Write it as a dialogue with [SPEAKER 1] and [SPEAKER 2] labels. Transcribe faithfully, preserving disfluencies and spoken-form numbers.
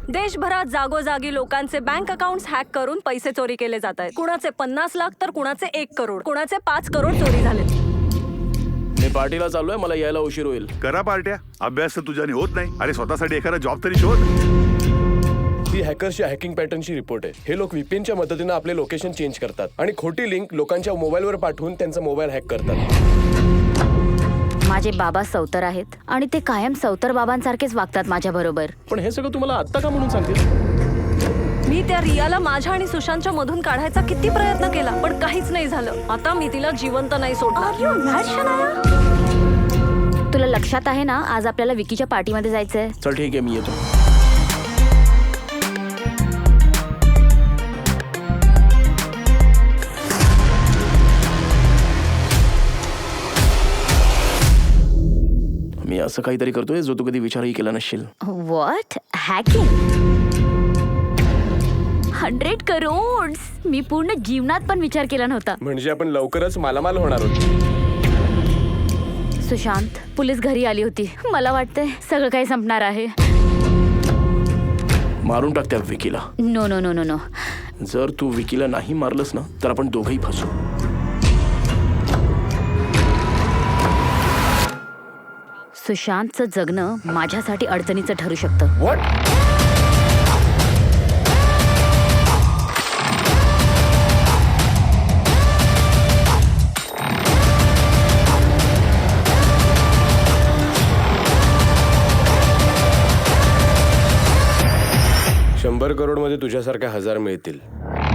[SPEAKER 1] देशभरात जागोजागी लोकांचे बँक अकाउंट्स हॅक करून पैसे चोरी केले जात आहेत. कुणाचे पन्नास लाख तर कुणाचे एक करोड, कुणाचे पाच करोड चोरी झाले.
[SPEAKER 2] मी पार्टीला चाललोय, मला यायला उशीर होईल.
[SPEAKER 3] करा पार्ट्या, अभ्यास तर तुझ्याने होत नाही. अरे स्वतःसाठी एखादा जॉब तरी शोध.
[SPEAKER 2] ही हॅकर्सच्या हॅकिंग पॅटर्नची रिपोर्ट आहे. हे लोक व्हीपीएनच्या मदतीने आपले लोकेशन चेंज करतात आणि खोटी लिंक लोकांच्या मोबाईलवर पाठवून त्यांचा मोबाईल हॅक करतात.
[SPEAKER 4] माझे बाबा सौतर आहेत आणि ते कायम सौतर बाबांसारखेच वागतात माझ्या बरोबर.
[SPEAKER 2] पण हे सगळं तुम्हाला आत्ता का म्हणून सांगतील?
[SPEAKER 1] मी त्या रियाला माझ्या आणि सुशांतच्या मधून काढायचा किती प्रयत्न केला, पण काहीच नाही झालं. आता मी तिला जिवंत नाही सोडणार.
[SPEAKER 4] तुला लक्षात आहे ना, आज आपल्याला विकीच्या पार्टीमध्ये जायचंय.
[SPEAKER 2] चल ठीक आहे, मी येतो. मी असं काहीतरी करतोय जो तू कधी विचारही केला नसशील.
[SPEAKER 4] व्हॉट? हॅकिंग? हंड्रेड करोड? मी पूर्ण जीवनात पण विचार केला नव्हता.
[SPEAKER 2] म्हणजे आपण लवकरच मालामाल होणार आहोत.
[SPEAKER 4] सुशांत, पोलीस घरी आली होती. मला वाटतंय सगळं काही संपणार आहे.
[SPEAKER 2] मारून टाक त्या विकीला.
[SPEAKER 4] No no no no no
[SPEAKER 2] जर तू विकीला नाही मारलंस ना, तर आपण दोघंही फसू.
[SPEAKER 4] सुशांतचं जगणं माझ्यासाठी अडचणीचं ठरू शकतं.
[SPEAKER 2] व्हॉट? शंभर करोड मध्ये तुझ्यासारख्या हजार मिळतील.